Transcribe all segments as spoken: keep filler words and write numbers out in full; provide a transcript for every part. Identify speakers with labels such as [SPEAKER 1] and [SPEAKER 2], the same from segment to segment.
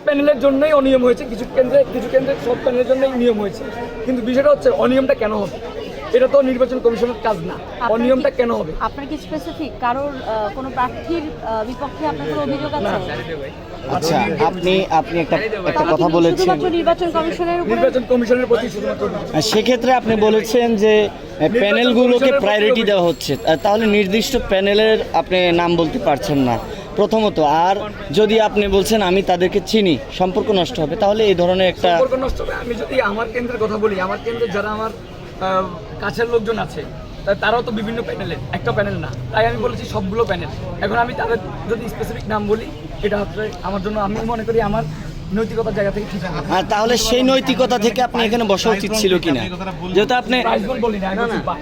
[SPEAKER 1] প্যানেলের জন্যই অনিয়ম হয়েছে, কিছু কেন্দ্রে কিছু কেন্দ্রে সব প্যানেলের জন্যই নিয়ম হয়েছে, কিন্তু বিষয়টা হচ্ছে অনিয়মটা কেন হবে, এটা তো নির্বাচন কমিশনের কাজ না। অনিয়মটা কেন হবে?
[SPEAKER 2] আপনার কি স্পেসিফিক কারোর কোনো প্রার্থীর বিপক্ষে আপনার কোনো অভিযোগ আছে?
[SPEAKER 3] আচ্ছা, আপনি আপনি একটা একটা কথা বলেছেন
[SPEAKER 2] শুধুমাত্র নির্বাচন কমিশনের উপর,
[SPEAKER 1] নির্বাচন কমিশনের প্রতি শুধুমাত্র।
[SPEAKER 3] সেক্ষেত্রে আপনি বলেছেন যে প্যানেলগুলোকে প্রায়োরিটি দেওয়া হচ্ছে, তাহলে নির্দিষ্ট প্যানেলের আপনি নাম বলতে পারছেন না প্রথমত। আর যদি আপনি বলছেন আমি তাদেরকে চিনি, সম্পর্ক নষ্ট হবে, তাহলে এই ধরনের একটা
[SPEAKER 1] সম্পর্ক নষ্ট হবে। আমি যদি আমার কেন্দ্রের কথা বলি, আমার কেন্দ্রে যারা আমার কাছের লোকজন আছে তারাও তো বিভিন্ন প্যানেলের, একটা প্যানেল না, তাই আমি বলেছি সবগুলো প্যানেল। এখন আমি তাদের যদি স্পেসিফিক নাম বলি, এটা হচ্ছে আমার জন্য, আমি মনে করি আমার নৈতিকতার জায়গা থেকে ঠিক আছে।
[SPEAKER 3] আর তাহলে সেই নৈতিকতা থেকে আপনি এখানে বসা উচিত ছিল কিনা, যেহেতু আপনি
[SPEAKER 1] বলি না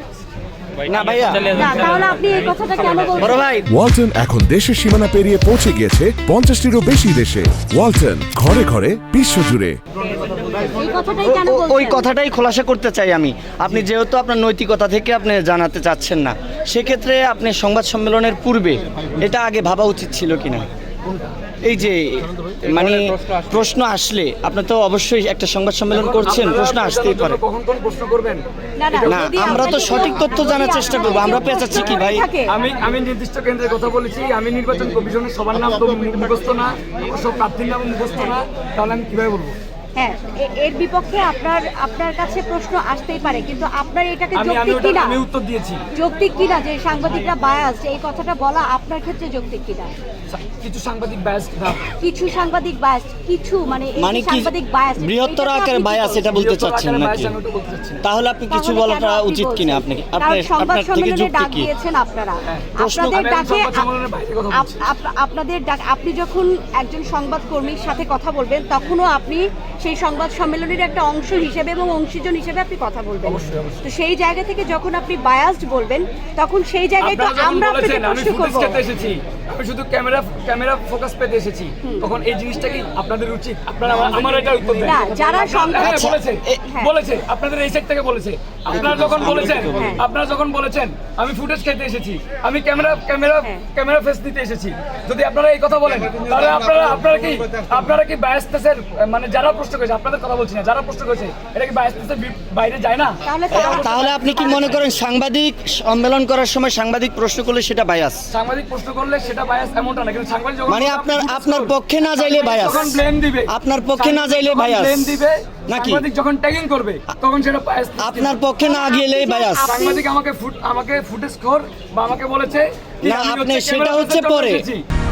[SPEAKER 3] না ভাইয়া,
[SPEAKER 2] তাহলে আপনি এই কথাটা কেন বলছেন?
[SPEAKER 3] বড় ভাই,
[SPEAKER 4] ওয়ালটন এখন দেশের সীমানা পেরিয়ে পৌঁছে গিয়েছে পঞ্চাশটিরও বেশি দেশে। ওয়ালটন, ঘরে ঘরে বিশ্বজুড়ে।
[SPEAKER 2] এই কথাটাই কেন
[SPEAKER 3] ও- ওই
[SPEAKER 2] বলছেন?
[SPEAKER 3] কথাটাই খোলাসা করতে চাই আমি। আপনি যেহেতু আপনার নৈতিকতা থেকে আপনি জানাতে চাচ্ছেন না, সেক্ষেত্রে আপনি সংবাদ সম্মেলনের পূর্বে এটা আগে ভাবা উচিত ছিল কিনা। এই যে মানে প্রশ্ন আসলে আপনি তো অবশ্যই একটা সংবাদ সম্মেলন করছেন, প্রশ্ন আসতেই পারে।
[SPEAKER 1] কখন কোন প্রশ্ন করবেন?
[SPEAKER 2] না, না,
[SPEAKER 3] না,
[SPEAKER 2] যদি
[SPEAKER 3] আমরা তো
[SPEAKER 2] আপনাকে
[SPEAKER 3] সঠিক
[SPEAKER 2] কেউ-
[SPEAKER 3] তথ্য জানার
[SPEAKER 2] যদি
[SPEAKER 3] চেষ্টা
[SPEAKER 2] আপনাকে
[SPEAKER 3] করবো, আমরা
[SPEAKER 2] কেউ
[SPEAKER 3] পেঁচাচ্ছি কি
[SPEAKER 2] প্রশ্ন
[SPEAKER 3] ভাই?
[SPEAKER 2] করে থাকে,
[SPEAKER 1] আমি আমি নির্দিষ্ট কেন্দ্রের কথা বলেছি, আমি নির্বাচন কমিশনের সবার নাম তো মুখস্থ না, সব প্রার্থীর নাম মুখস্থ না, তাহলে আমি কিভাবে বলবো?
[SPEAKER 2] হ্যাঁ, এ- এর বিপক্ষে আপনার আপনার কাছে প্রশ্ন আসতেই পারে, কিন্তু আপনার এটাকে
[SPEAKER 1] আমি আমি
[SPEAKER 2] যৌক্তিক
[SPEAKER 1] ওটা
[SPEAKER 2] কিনা,
[SPEAKER 1] আমি উত্তর দিয়েছি।
[SPEAKER 2] যৌক্তিক কিনা যে সাংবাদিকরা বায়াস, এই কথাটা বলা আপনার ক্ষেত্রে যৌক্তিক কিনা?
[SPEAKER 1] কিছু সাংবাদিক ব্যস্ত
[SPEAKER 2] কিছু সাংবাদিক বায়াস, কিছু মানে এই যে
[SPEAKER 3] মানে কি
[SPEAKER 2] সাংবাদিক বায়াস,
[SPEAKER 3] বৃহত্তর
[SPEAKER 2] এটাকে
[SPEAKER 3] আকারে
[SPEAKER 2] আপনি কি
[SPEAKER 3] বায়াস
[SPEAKER 2] বলছেন?
[SPEAKER 3] এটা বলতে চাচ্ছেন নাকি? তাহলে আপনি কিছু
[SPEAKER 2] তাহলে
[SPEAKER 3] বলাটা
[SPEAKER 2] কেন আপনি
[SPEAKER 3] উচিত
[SPEAKER 2] বলছেন?
[SPEAKER 3] কিনা আপনি
[SPEAKER 2] কারণ
[SPEAKER 3] আপনার
[SPEAKER 2] সংবাদ
[SPEAKER 3] আপনার থেকে
[SPEAKER 2] সম্মেলনে
[SPEAKER 3] যুক্তি
[SPEAKER 2] ডাক
[SPEAKER 3] কি?
[SPEAKER 2] দিয়েছেন আপনারা,
[SPEAKER 3] প্রশ্ন-
[SPEAKER 2] আপনাদের
[SPEAKER 1] আমি
[SPEAKER 2] ডাকে
[SPEAKER 1] সংবাদ সম্মেলনের বাইরে কথা
[SPEAKER 2] আপ-
[SPEAKER 1] বলছি।
[SPEAKER 2] আপ- আপনাদের ডাক, আপনি যখন একজন সংবাদকর্মীর সাথে কথা বলবেন তখনও আপনি সেই সংবাদ সম্মেলনের একটা অংশ হিসেবে এবং অংশীজন হিসেবে আপনি কথা বলবেন।
[SPEAKER 1] অবশ্যই, অবশ্যই।
[SPEAKER 2] তো সেই জায়গা থেকে যখন আপনি বায়াসড বলবেন, তখন সেই জায়গায় তো
[SPEAKER 1] আপনারা যখন
[SPEAKER 2] আমরা আপনাকে
[SPEAKER 1] বলেছেন আমি
[SPEAKER 2] প্রশ্ন
[SPEAKER 1] ফুটেজ
[SPEAKER 2] করব।
[SPEAKER 1] পেতে এসেছি, আমি শুধু ক্যামেরা ক্যামেরা ফোকাস পেতে এসেছি, তখন এই জিনিসটা কি আপনাদের উচিত? আপনারা আমার- আমার এটা উত্তর দেন।
[SPEAKER 2] না, যারা
[SPEAKER 1] আপনারা-
[SPEAKER 2] সংবাদ-
[SPEAKER 1] হ্যাঁ,
[SPEAKER 3] আচ্ছা,
[SPEAKER 1] বলেছে
[SPEAKER 3] এ-
[SPEAKER 2] হ্যাঁ।
[SPEAKER 1] বলেছে আপনাদের এই সাইড থেকে বলেছে, আপনারা যখন বলেছেন
[SPEAKER 2] হ্যাঁ।
[SPEAKER 1] আপনারা যখন বলেছেন আমি ফুটেজ খেতে এসেছি, আমি ক্যামেরা ক্যামেরা
[SPEAKER 2] হ্যাঁ।
[SPEAKER 1] ক্যামেরা ফেস দিতে এসেছি, যদি আপনারা এই কথা বলেন তাহলে আপনারা আপনারা কি আপনারা কি বায়াসতেসের, মানে যারা প্রশ্ন করেছে, আপনাদের কথা বলছি না, যারা প্রশ্ন করেছে এটা কি বায়াসতেসের বাইরে যায় না?
[SPEAKER 2] তাহলে
[SPEAKER 3] এ, তাহলে আপনি কি মনে করেন সাংবাদিক সম্মেলন করার সময় সাংবাদিক প্রশ্ন করলে সেটা বায়াস?
[SPEAKER 1] সাংবাদিক প্রশ্ন করলে সেটা বায়াস এমনটা না, কিন্তু সাংবাদিক যখন
[SPEAKER 3] মানে আপনার আপনার পক্ষে না যাইলে বায়াস,
[SPEAKER 1] যখন ব্লেম দিবে,
[SPEAKER 3] আপনার পক্ষে না যাইলে বায়াস
[SPEAKER 1] ব্লেম দিবে
[SPEAKER 3] নাকি?
[SPEAKER 1] সাংবাদিক যখন ট্যাগিং করবে তখন সেটা বায়াস।
[SPEAKER 3] আপনার পক্ষে না গেলেই বায়াস।
[SPEAKER 1] সাংবাদিক আমাকে ফুট আমাকে ফুটেজ খোর বা আমাকে বলেছে কি
[SPEAKER 3] না,
[SPEAKER 1] আমি
[SPEAKER 3] আপনি
[SPEAKER 1] হচ্ছে
[SPEAKER 3] সেটা
[SPEAKER 1] ক্যামেরা
[SPEAKER 3] হচ্ছে
[SPEAKER 1] ফেসের জন্য
[SPEAKER 3] পরে।
[SPEAKER 1] এসেছি।